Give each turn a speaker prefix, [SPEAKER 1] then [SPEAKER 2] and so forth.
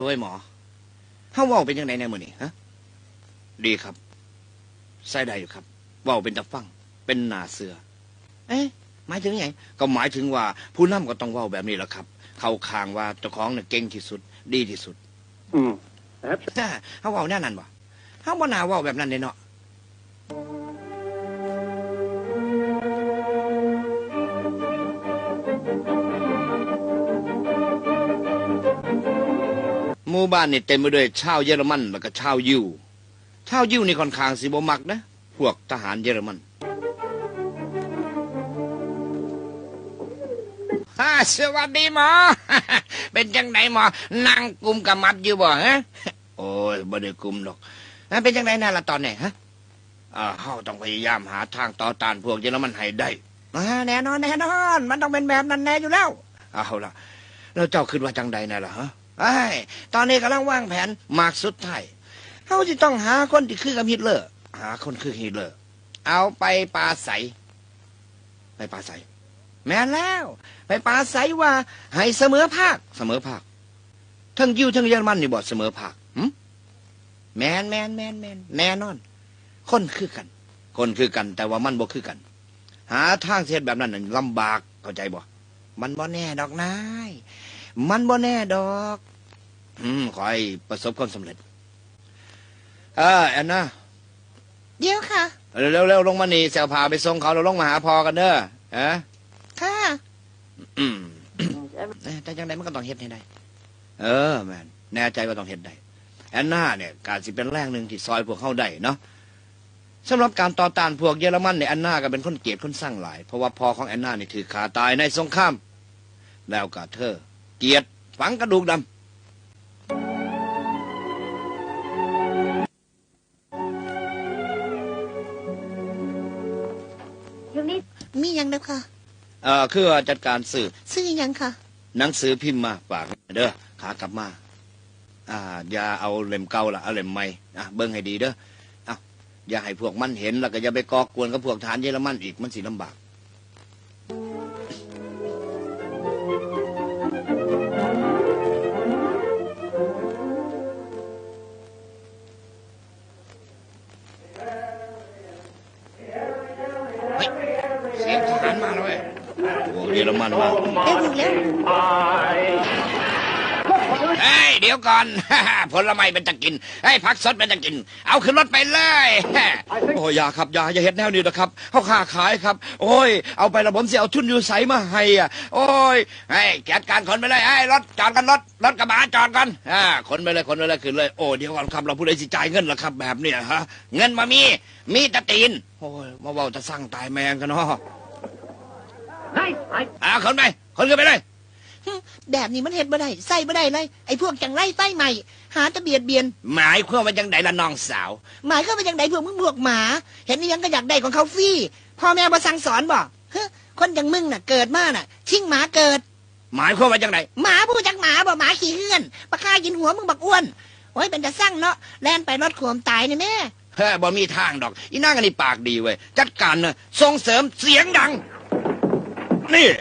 [SPEAKER 1] โดยหมอเฮาเว้าเป็นยังไงในมื้อนี้ฮะดีครับใส่ได้อยู่ครับเว้าเป็นตะฟังเป็นหน้าเสือเอ๊ะหมายถึงไงก็หมายถึงว่าผู้นำก็ต้องเว้าแบบนี้แหละครับเข้าข้างว่าเจ้าของน่ะเก่งที่สุดดีที่สุดเฮาเว้าแน่นั่นบ่เฮาบ่น่าเว้าแบบนั้นเด้เนาะหมู่บ้านนี่เต็มไปด้วยชาวเยอรมันแล้วก็ชาวยิวชาวยิวนี่ค่อนข้างสิบ่มักนะพวกทหารเยอรมันสวัสดีหมอ เป็นจังไหนหมอนั่งกุมกับมัดอยู่บ่ฮะโอ้ยบ่ได้กุมดอกเป็นจังไหนนั่นล่ะตอนนี้ฮะเฮาต้องพยายามหาทางต่อต้านพวกเยอรมันให้ได้แน่นอนแน่นอนมันต้องเป็นแบบนั้นแน่อยู่แล้วเอาล่ะแล้วเจ้าคิดว่าจังใดน่ะล่ะฮะตอนนี้กำลังวางแผนมากสุดท้ายเฮาสิต้องหาคนที่คือกับฮิตเลอร์หาคนคือฮิตเลอร์เอาไปปราศัยไปปราศัยแม่นแล้วไปปราศัยว่าให้เสมอภาคทั้งยิวทั้งเยอรมันนี่บ่เสมอภาคแม่นแน่นอนคนคือกันแต่ว่ามันบ่คือกันหาทางเฮ็ดแบบนั้นน่ะลำบากเข้าใจบ่มันบ่แน่ดอกนายมันบ่แน่ดอกขอให้ประสบความสำเร็จแอนนา
[SPEAKER 2] เดี๋ยวค่ะ
[SPEAKER 1] เร็วลงมานี่เสี่ยวพาไปส่งเขาเราลงมาหาพอกันเด้อ
[SPEAKER 2] ค่ะ
[SPEAKER 1] แต่จังไดมันก็ต้องเฮ็ดให้ได้แม่นแน่ใจว่าต้องเฮ็ดได้แอนนาเนี่ยการสิเป็นแรงหนึ่งที่ซอยพวกเขาได้เนาะสำหรับการต่อต้านพวกเยอรมันเนี่ยแอนนาก็เป็นคนเกลียดคนสร้างหลายเพราะว่าพ่อของแอนนานี่ถือขาตายในสงครามแล้วก็เธอเกลียดฝังกระดูกดำ
[SPEAKER 2] มียังเด้อค่ะ
[SPEAKER 1] คือจัดการซื้อ
[SPEAKER 2] ยังค่ะ
[SPEAKER 1] หนังสือพิมพ์มาฝากเด้อขากลับมาอย่าเอาเล่มเก่าละเอาเล่มใหม่เบิ่งให้ดีเด้ออย่าให้พวกมันเห็นแล้วก็อย่าไปก่อกวนกับพวกทหารเยอรมันอีกมันสิลำบากเสียงทหารมาแล้วเว้ยพวกเยอรมันมาเดี๋ยวก่อนผลไม้เป็นจะกินผักสดเป็นจะกินเอาขึ้นรถไปเลยโอ้ยอย่าครับอย่าเฮ็ดแนวนี้นะครับเขาค้าขายครับโอ้ยเอาไประบบสิเอาทุนอยู่ใสมาให้โอ้ยจัดการขนไปเลยรถจอดกันรถกระบะจอดกันขนไปเลยขึ้นเลยโอ้เดี๋ยวก่อนครับเราผู้ใดสิจ่ายเงินล่ะครับแบบเนี้ยฮะเงินมามีตะตีนโอ้ยมาเว้าจะสั่งตายแมงกันเนาะขนขึ้นไปเลย
[SPEAKER 2] แบบนี้มันเฮ็ดบ่ได้ใส่บ่ได้เลยไอ้พวกจังไรไฟใหม่หาตะเบียดเบียน
[SPEAKER 1] หมายความว่าจังไดล่ะน้องสาว
[SPEAKER 2] หมายความว่าจังไดพวกมึงพวกหมาเห็นนี่ยังก็อยากได้ของเขาฟรีพ่อแม่บ่สั่งสอนบ่คนอย่างมึงน่ะเกิดมาน่ะชิงหมาเกิด
[SPEAKER 1] หมายความว่าจังได
[SPEAKER 2] หมาผู้จักหมาบ่หมาขี้เหื่อนปะฆ่ากินหัวมึงบักอ้วนโอ้ยเป็นจะสั่งเนาะแล่นไปรถขวมตายนี่แม่
[SPEAKER 1] บ่มีทางดอกอีนางอันนี้ปากดีเว้ยจัดการน่ะส่งเสริมเสียงดังนี่